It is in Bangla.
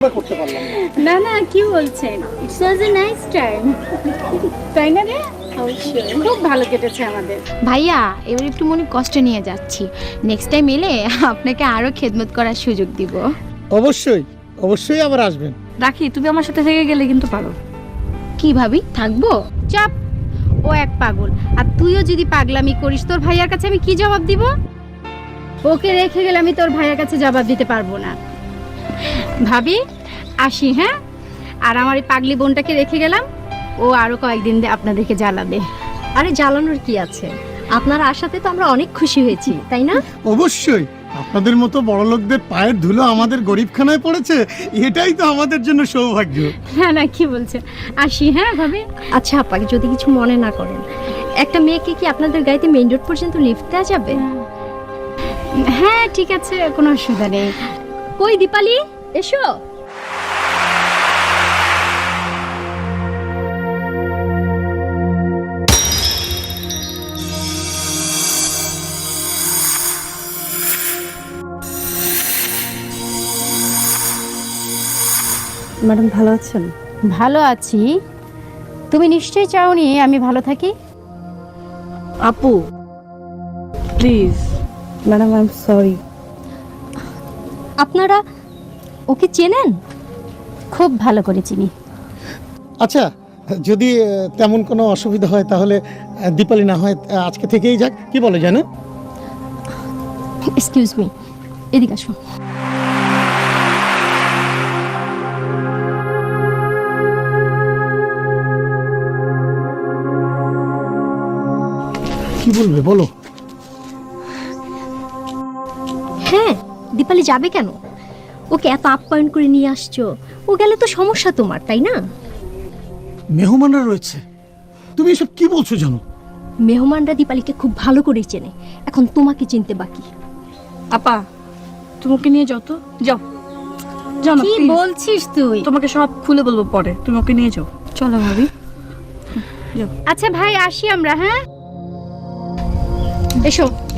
করতে পারলাম না না কি বলছেন, it's was a nice time. তাই না রে? অবশ্যই খুব ভালো কেটেছে আমাদের। ভাইয়া এবার একটু মনে কষ্ট নিয়ে যাচ্ছি, নেক্সট টাইম এলে আপনাকে আরো খেদমত করার সুযোগ দিব। অবশ্যই অবশ্যই আবার আসবেন। রাখি, তুমি আমার সাথে থেকে গেলে কিন্তু পারো। কি ভাবি থাকবো? চাপ, ও এক পাগল, আর তুইও যদি পাগলামি করিস তোর ভাইয়ার কাছে আমি কি জবাব দিব? ওকে রেখে গেলে আমি তোর ভাইয়ার কাছে জবাব দিতে পারবো না। ভাবি আসি, হ্যাঁ? আর আমার এই পাগলি বোনটাকে রেখে গেলাম, ও আরো কয়েকদিন আপনাদেরকে জ্বালাবে। আরে জ্বালানোর কি আছে, আপনার আশাতে তো আমরা অনেক খুশি হয়েছি, তাই না? অবশ্যই আপনাদের মতো বড় লোকদের পায়ের ধুলো আমাদের গরিবখানায় পড়েছে, এটাই তো আমাদের জন্য সৌভাগ্য। না না কি বলছেন, আসি হ্যাঁ ভাবি। আচ্ছা আপাকে যদি কিছু মনে না করেন, একটা মেয়েকে কি আপনাদের গাড়িতে মেইন রোড পর্যন্ত লিফট দেওয়া যাবে? হ্যাঁ ঠিক আছে, কোনো অসুবিধা নেই। কই দীপালি, এসো। ম্যাডাম ভালো আছেন? ভালো আছি, তুমি নিশ্চয়ই চাওনি আমি ভালো থাকি। আপু please. Madam I am sorry. আপনারা ওকে চেনেন? খুব ভালো করে চিনি। আচ্ছা, যদি তেমন কোনো অসুবিধা হয় তাহলে দীপালি না হয় আজকে থেকেই যাক, কি বলে জানো? এক্সকিউজ মি, এদিকে আসো। কি বলবে বলো? হ্যাঁ, দীপালি যাবে কেন? ওকে এত আপ্যায়ন করে নিয়ে আসছো, ও গেলে তো সমস্যা তোমার, তাই না? মেহমানরা রয়েছে, তুমি এসব কি বলছো জানো? মেহমানরা দীপালিকে খুব ভালো করেই চেনে, এখন তোমাকে চিনতে বাকি। আপা, তুমি ওকে নিয়ে যাও তো, যাও যাও না, কি please। বলছিস তুই? তোমাকে সব খুলে বলবো পরে, তুমি ওকে নিয়ে যাও। চলো ভাবি। আচ্ছা ভাই আসি আমরা, হ্যাঁ? এসো।